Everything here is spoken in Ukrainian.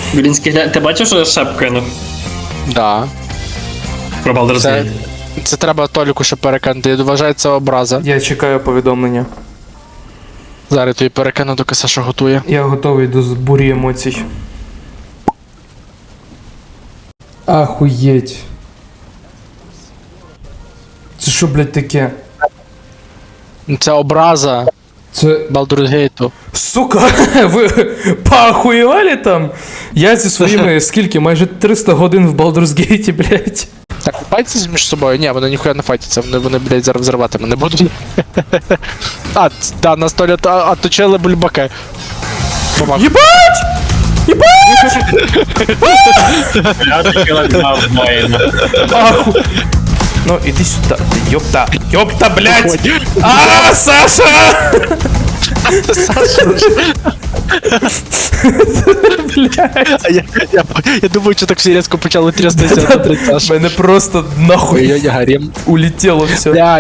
Білінський, ти бачив, що я шеп кинув? Да. Про Baldur's Це, Gate. це треба Толіку ще перекинути. Я вважаю, це образа. Я чекаю повідомлення. Зараз я тобі перекину, доки Саша готує. Я готовий до бурі емоцій. Ахуєть. Це що, блядь, таке? Це образа Це... Baldur's Gate. Сука, ви поахуєвали там? Я зі своїми, скільки, майже 300 годин в Baldur's Gate, блядь. Так, файтяться між собою? Ні, вони ніхуя не файтяться, вони блядь, зараз взривати мене будуть. Да, на столі оточили бульбаки. Бумаг. Єбать! Єбать! Я таки лакнав воїна. Аху... Ну, іди сюди, ти ёпта. Ёпта, блядь! А, Саша! Саша, я думаю, що так всі різко почали трястися. Мене просто нахуй Ой-ой, гарем. улетіло все. Бля,